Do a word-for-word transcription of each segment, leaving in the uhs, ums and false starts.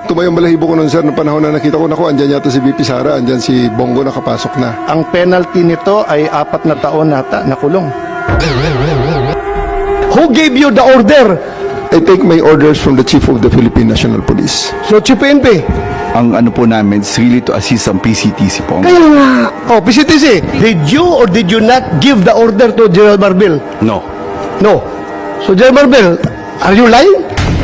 tumayong balahibo ko nun, sir, ng panahon na nakita ko, naku, andyan yata si V P Sara, andyan si Bongo nakapasok na. Ang penalty nito ay apat na taon nata na kulong. Who gave you the order? I take my orders from the Chief of the Philippine National Police. So, Chief P N P. Ang ano po namin is really to assist ang P C T C po. Kaya nga. Oh, P C T C, did you or did you not give the order to General Marbil? No. No. So, General Marbil, are you lying?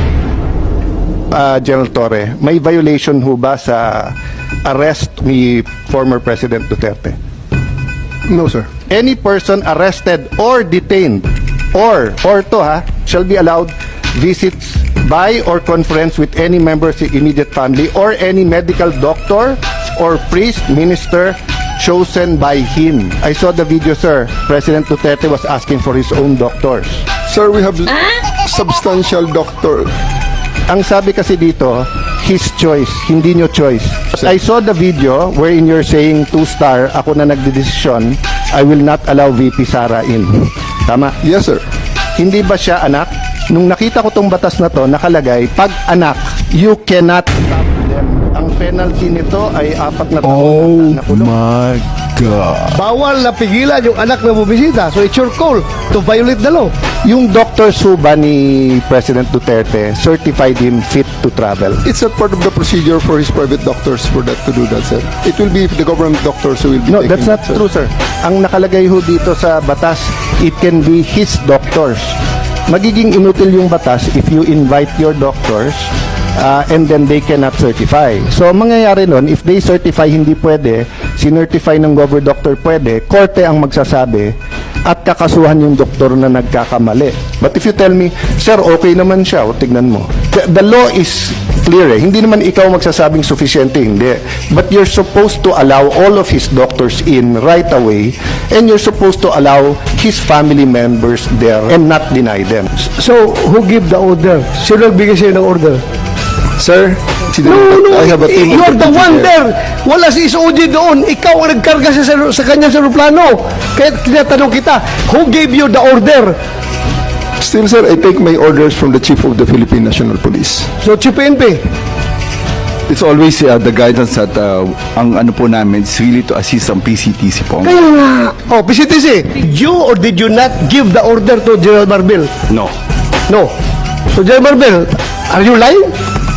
Ah, General Torre, may violation ho ba sa arrest ni former President Duterte? No, sir. Any person arrested or detained or or to ha shall be allowed visits by or conference with any member of the immediate family or any medical doctor or priest minister chosen by him. I saw the video, sir. President Duterte was asking for his own doctors. Sir, we have substantial doctor. Ang sabi kasi dito, his choice, hindi nyo choice. I saw the video wherein you're saying two-star, ako na nagdedesisyon, I will not allow V P Sara in. Tama? Yes, sir. Hindi ba siya anak? Nung nakita ko tong batas na to, nakalagay, pag anak, you cannot stop them. Ang penalty nito ay apat na taon na kulong. my God. Bawal na pigilan yung anak na bumibisita. So, it's your call to violate the law. Yung Doctor Suba ni President Duterte certified him fit to travel. It's not part of the procedure for his private doctors for that to do that, sir. It will be the government doctors who will be No, taking that's not that, sir. true, sir. Ang nakalagay ho dito sa batas, it can be his doctors. Magiging inutil yung batas if you invite your doctors uh, and then they cannot certify. So, ang mangyayari nun, if they certify hindi pwede, sinertify ng gover doctor pwede, korte ang magsasabi at kakasuhan yung doktor na nagkakamali. But if you tell me, sir, okay naman siya, o tignan mo. The, the law is clear eh. Hindi naman ikaw magsasabing sufficiente, hindi. But you're supposed to allow all of his doctors in right away and you're supposed to allow his family members there and not deny them. So, who give the order? Sino nagbigay sa'yo ng order? Sir, si No, no, I have a team of you're the deputy one there. there. Wala si S O G doon. Ikaw ang nagkarga sa, sa kanya sa aeroplano. Kaya tinatanong kita, who gave you the order? Still, sir, I take my orders from the Chief of the Philippine National Police. So, Chief P N P. It's always uh, the guidance that uh, ang ano po namin is really to assist ang P C T C po. Kaya nga. Oh, P C T C, did you or did you not give the order to General Marbil? No. No. So, General Marbil, are you lying?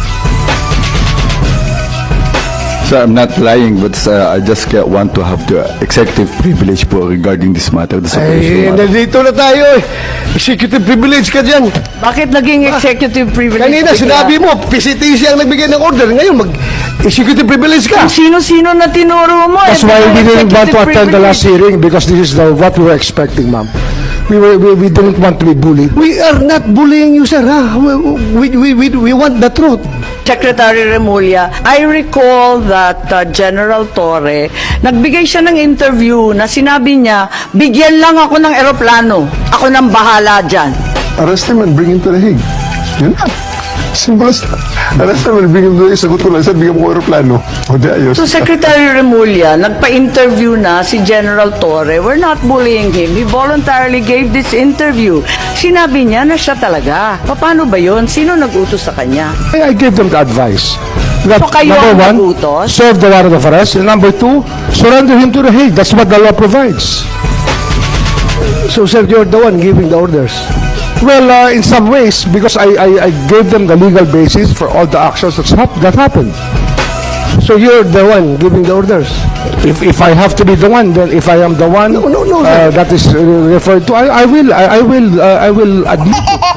So I'm not lying, but uh, I just uh, want to have the executive privilege po regarding this matter. This Ay, operational matter. nandito na tayo eh. Executive privilege ka dyan. Bakit naging executive privilege? Kanina bigla? sinabi mo, P C T C ang nagbigay ng order. Ngayon, mag-executive privilege ka. Sino-sino na tinuro mo? That's eh, why we didn't want to executive attend the last privilege. hearing because this is the, what we were expecting, ma'am. We were we, we didn't want to be bullied. We are not bullying you, sir. Ha? We, we, we, we want the truth. Secretary Remulla, I recall that uh, General Torre, nagbigay siya ng interview na sinabi niya, bigyan lang ako ng eroplano. Ako nang bahala dyan. Arrest him and bring him to the Hague. Yun na. Simple as that. Arrest him and bring him to the Hague. Sagot ko lang, sir, bigyan mo ko aeroplano. O di ayos. So Secretary Remulla, nagpa-interview na si General Torre. We're not bullying him. He voluntarily gave this interview. Sinabi niya na siya talaga. Paano ba yun? Sino nag-utos sa kanya? I, I gave them the advice. That, So kayo number ang one, nagutos? serve the warrant of arrest. And number two, surrender him to the Hague. That's what the law provides. So, sir, you're the one giving the orders. Well, uh, in some ways, because I, I, I gave them the legal basis for all the actions that's hap- that happened. So, you're the one giving the orders. If if I have to be the one, then if I am the one No, no, no, uh, that is uh, referred to, I, I will I, I will uh, I will admit it.